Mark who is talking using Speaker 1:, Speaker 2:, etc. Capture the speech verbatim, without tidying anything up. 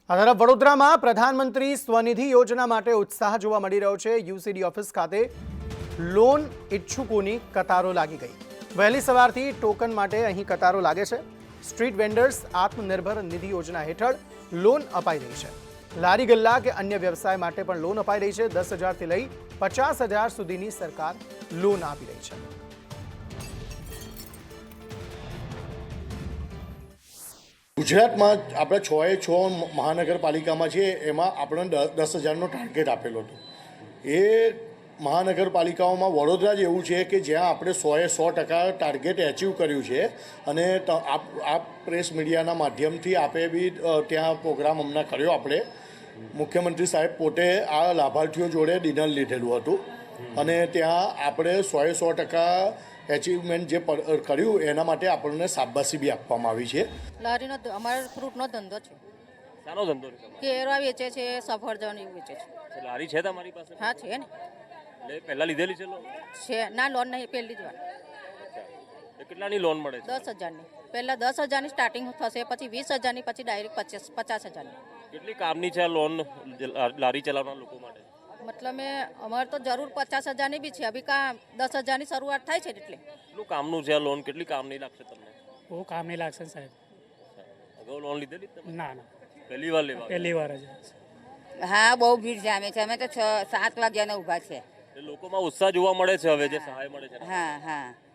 Speaker 1: આ તરફ વડોદરામાં પ્રધાનમંત્રી સ્વનિધિ યોજના માટે ઉત્સાહ જોવા મળી રહ્યો છે। યુસીડી ઓફિસ ખાતે લોન ઇચ્છુકોની કતારો લાગી ગઈ। વહેલી સવારથી ટોકન માટે અહીં કતારો લાગે છે। સ્ટ્રીટ વેન્ડર્સ આત્મનિર્ભર નિધિ યોજના હેઠળ લોન અપાઈ રહી છે। લારી ગલ્લા કે અન્ય વ્યવસાય માટે પણ લોન અપાઈ રહી છે। દસ હજારથી લઈ પચાસ હજાર સુધીની સરકાર લોન આપી રહી છે।
Speaker 2: ગુજરાતમાં આપણે છ એ છ મહાનગરપાલિકામાં છે, એમાં આપણે દસ હજારનો ટાર્ગેટ આપેલો હતો। એ મહાનગરપાલિકાઓમાં વડોદરા જ એવું છે કે જ્યાં આપણે સોએ સો ટકા ટાર્ગેટ એચીવ કર્યું છે। અને આ પ્રેસ મીડિયાના માધ્યમથી આપે બી ત્યાં પ્રોગ્રામ હમણાં કર્યો। આપણે મુખ્યમંત્રી સાહેબ પોતે આ લાભાર્થીઓ જોડે ડિનર લીધેલું હતું અને ત્યાં આપણે સોએ સો ટકા એચિવમેન્ટ જે કર્યું એના માટે આપણને શાબાશી બી આપવામાં આવી છે।
Speaker 3: લારીનો અમારો ફ્રૂટનો ધંધો છે।
Speaker 4: શાનો ધંધો છે?
Speaker 3: કેળા વેચે છે, સફરજન એવું વેચે છે।
Speaker 4: લારી છે તમારી પાસે?
Speaker 3: હા છે ને,
Speaker 4: એટલે પહેલા લીધેલી છે લોન?
Speaker 3: છે ના, લોન નહીં, પહેલી જ વાર।
Speaker 4: એ કેટલાની લોન મળે છે?
Speaker 3: દસ હજારની પહેલાં દસ હજારની સ્ટાર્ટિંગ થશે, પછી વીસ હજારની, પછી ડાયરેક્ટ પચાસ પચાસ હજારની।
Speaker 4: કેટલી કામની છે આ લોન લારી ચલાવનાર લોકો માટે?
Speaker 3: મતલબ મેં અમારે તો જરૂર પચાસ હજારની બી છે। અભી કા દસ હજારની શરૂઆત થાય છે એટલે
Speaker 4: કેટલું કામનું છે આ લોન? કેટલી કામની લાગશે તમને?
Speaker 5: બહુ કામ નહીં લાગશે ને સાહેબ।
Speaker 4: અગાઉ લોન લીધેલી તમે?
Speaker 5: ના ના,
Speaker 4: પહેલી વાર લેવા?
Speaker 5: પહેલી વાર જ।
Speaker 6: હા, બહુ ભીડ જામે છે। અમે તો છ સાત વાગ્યાના ઊભા છે।
Speaker 4: એ લોકોમાં ઉત્સાહ જોવા મળે છે હવે જે સહાય મળે છે।
Speaker 6: હા હા,